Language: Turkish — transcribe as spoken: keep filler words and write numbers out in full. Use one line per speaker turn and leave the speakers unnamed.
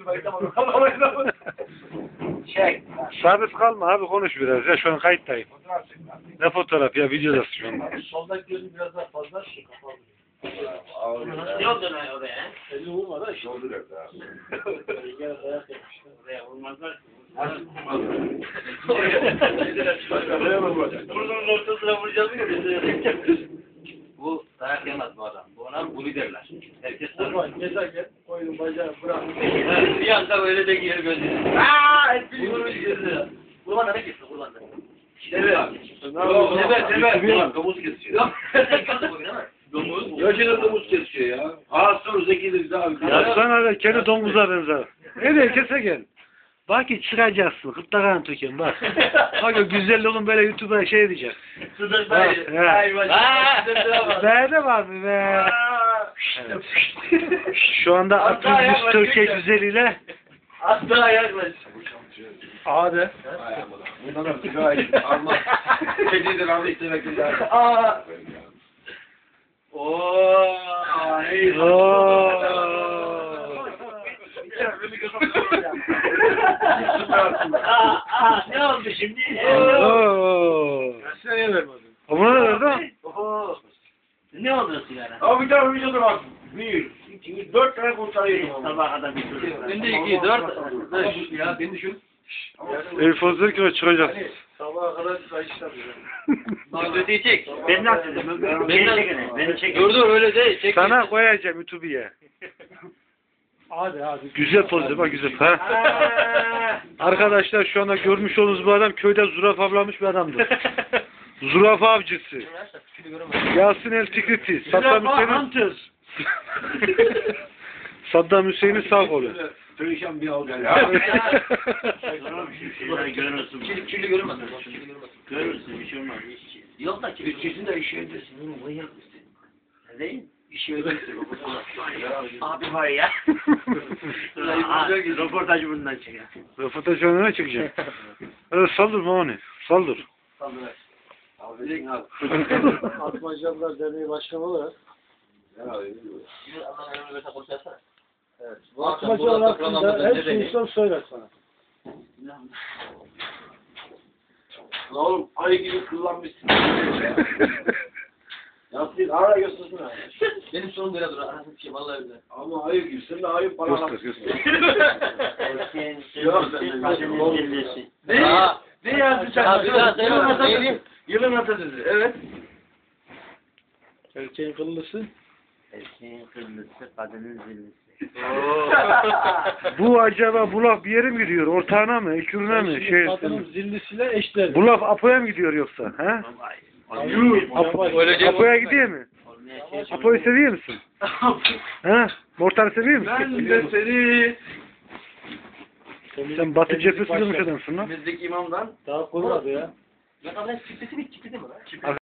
Çek.
Sabit kalma abi, konuş biraz ya, şu an kayıttayım. Ne fotoğraf ya, videodasın şu anda.
Soldaki gözü biraz daha fazla şey kapalı.
Ne oldu lan oraya?
Elini vurma da işte.
Doldur hep ya.
Gel dayak yapmışlar.
Oraya vurmazlar.
Burnunun ortasına vuracağız mı?
Bu dayak yemez bu adam. Bu ona bu liderler. Herkes tanır.
Vurma, gezerken koyun bacağı bırak.
Bir anda böyle de gelir gözüne. Aaa! Etmiş vurmuş gözüne. Kurban da ne kesin kurban da?
Evet.
Sever sever.
Domuz kesiyor.
Domuz.
Ya şimdi domuz kesiyor ya. Aa sonra zekidir abi.
Ya sana da kendi domuza benzer. Nereye kese gel. Bak ki çıkacaksın, kırtlağını töken bak. Bak o güzel oğlum böyle YouTube'a şey diyecek.
Sıdır
Bak,
dayı.
he.
Ay bacım. Sıdır bak.
Be de var mı be? Evet. Şu anda Atıl Türkiye güzeliyle
Asla yaklaş.
A'de.
Bundan da sigara içip almaz. Kedidir aldı istemekler.
Aa. Oo. Ay. Aa, aa, ne oldu şimdi?
Oo.
Seneye vermedim.
Buna ne verdi?
Oho.
Ne oldu sigara?
Abi bir tane videoda bak. Bir, iki, dört tane kurtarıyorum.
Sabah kadar bir çocuk.
Şimdi iki, dört, beş.
Ya beni düşün.
El fazla ki çıkacak.
Sabaha kadar sayışlar.
Gözü çek. Ben nasıl dedim? Beni çek. Beni çek.
Dur dur öyle değil. Çek.
Sana koyacağım YouTube'ya.
Hadi hadi.
Güzel poz bak, güzel. Ha? Arkadaşlar şu anda görmüş olduğunuz bu adam köyde zürafa avlamış bir adamdır. Zürafa avcısı. Yasin El Tikriti. Saddam Hüseyin'in Saddam Hüseyin'in sağ kolu.
Perişan bir al ya.
Görürsün.
Kirli, kirli görünmez.
Görürsün bir şey olmaz. Yok da ki.
Üçüsün de iş yerindesin. Oğlum manyak mısın?
Ne değil?
İş yerindesin.
Abi var ya. Röportajı bundan çıkıyor.
Röportaj önüne çıkacak. Öyle saldırma onu. Saldır.
Abi al.
Atmacalılar Derneği Başkanı olarak. Evet. Bu Atmacalar hakkında her sorunsam söyler sana.
Lan oğlum ayı gibi kullanmışsın. Ya siz ara göstersin ha.
Benim sonum böyle dur. Arasın bir şey vallahi öyle.
Ama ayı gibi. Sen de ayı para
Göster göster.
Ne? Ne yazdın sen?
Ya bir daha söyle.
Yılın atasözü.
Neydi?
Yılın atasözü. Evet.
Erkeğin kıllısı.
Erkeğin kırmızısı, kadının zillisi.
Bu acaba bu laf bir yere mi gidiyor? Ortağına mı? Ekürüne mi? Şey,
Kadının zillisiyle eşler.
bu laf Apo'ya mı gidiyor yoksa? He? Apo, Apo'ya gidiyor mu? Apo'yu seviyor musun? He? Mortar'ı seviyor musun?
Ben de seni.
Sen Batı cephesi kılmış adamsın lan.
Bizdeki imamdan. Daha kurmadı ya. Ya kadar çıktı mı? Çıktı mı?